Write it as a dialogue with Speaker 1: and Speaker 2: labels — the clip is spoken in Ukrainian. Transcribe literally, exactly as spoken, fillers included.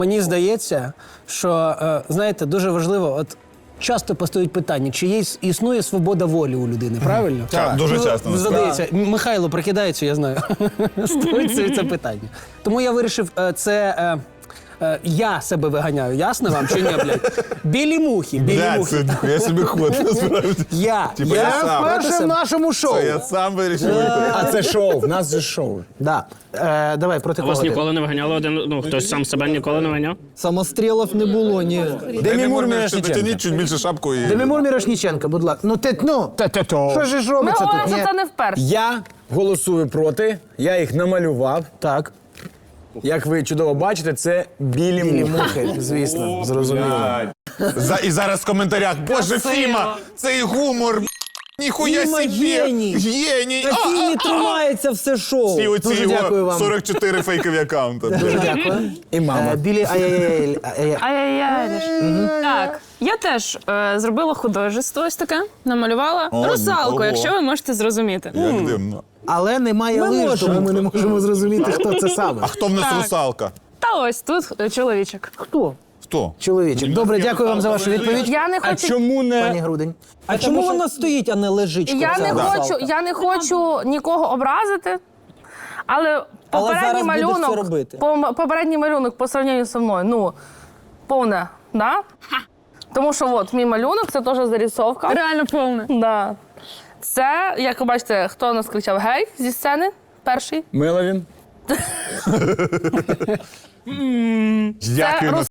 Speaker 1: Мені здається, що, е, знаєте, дуже важливо, от часто постають питання, чи є існує свобода волі у людини, правильно?
Speaker 2: Так, дуже часто,
Speaker 1: Ну,
Speaker 2: насправді.
Speaker 1: задається. Михайло прикидається, я знаю. Стоїть це питання. Тому я вирішив, е, це е, е, я себе виганяю, ясно вам чи ні, блядь? Білі мухи, білі
Speaker 2: Блядь,
Speaker 1: мухи.
Speaker 2: це я собі ход, насправді.
Speaker 1: Я,
Speaker 2: Типа я сам.
Speaker 1: вперше в нашому шоу.
Speaker 2: Це я сам вирішив вийти.
Speaker 3: А це шоу, в нас же шоу.
Speaker 1: Да. Е, давай, проти кого
Speaker 4: Вас
Speaker 1: ти?
Speaker 4: ніколи не виганяли один, ну хтось сам себе ніколи не виганяв?
Speaker 5: Самострілів не було, ні.
Speaker 2: Демі Мур,
Speaker 3: Мірошниченко.
Speaker 2: дотяніть чуть більше шапку і...
Speaker 1: Демімур Мірошніченко, будь ласка. Ну ти, ну,
Speaker 3: Та-та-то.
Speaker 1: що ж
Speaker 6: Ми
Speaker 1: робиться
Speaker 6: говоримо,
Speaker 1: тут?
Speaker 6: що
Speaker 1: Ні.
Speaker 6: це не вперше.
Speaker 3: Я голосую проти, я їх намалював.
Speaker 1: Так.
Speaker 3: Як ви чудово бачите, це білі,
Speaker 1: Білі
Speaker 3: мухи.
Speaker 1: мухи, звісно, зрозуміло.
Speaker 2: За, і зараз в коментарях, боже, Фіма, цей гумор, ніхуя
Speaker 5: Фіма
Speaker 2: собі.
Speaker 5: геній.
Speaker 2: Геній.
Speaker 5: На фільмі тримається все шоу.
Speaker 2: І оці
Speaker 1: Дуже дякую
Speaker 2: його
Speaker 1: вам.
Speaker 2: сорок чотири фейкові аккаунти.
Speaker 1: Дуже дякую.
Speaker 3: І мама.
Speaker 1: Е, Білі ай-яй-яй. ай-яй.
Speaker 6: Ай-яй-яй. Так, я теж е, зробила художество ось таке, намалювала
Speaker 2: О,
Speaker 6: русалку,
Speaker 2: ого.
Speaker 6: якщо ви можете зрозуміти.
Speaker 2: Як дивно.
Speaker 1: Але немає
Speaker 5: Ми
Speaker 1: лиш,
Speaker 5: можемо.
Speaker 1: тому ми не можемо зрозуміти, хто це саме.
Speaker 2: А хто в нас
Speaker 6: Так.
Speaker 2: русалка?
Speaker 6: Та ось тут е, чоловічок.
Speaker 1: Хто?
Speaker 2: Хто?
Speaker 1: Чоловічок. Добре, дякую вам за вашу відповідь.
Speaker 6: Я не
Speaker 3: А
Speaker 6: хочу.
Speaker 3: чому
Speaker 1: Пані
Speaker 3: не...
Speaker 1: Грудень.
Speaker 5: А чому вона стоїть, а не лежить?
Speaker 6: Я
Speaker 5: ця
Speaker 6: не
Speaker 5: русалка?
Speaker 6: хочу, я не хочу нікого образити, але попередній
Speaker 5: зараз будеш це
Speaker 6: малюнок,
Speaker 5: робити.
Speaker 6: по- попередній малюнок по сравненню зі мною, ну, повне, да? Тому що от мій малюнок, це теж зарисовка. Реально повне. Да. Це, як ви бачите, хто нас кричав гей зі сцени перший.
Speaker 3: Меловін.
Speaker 2: Як він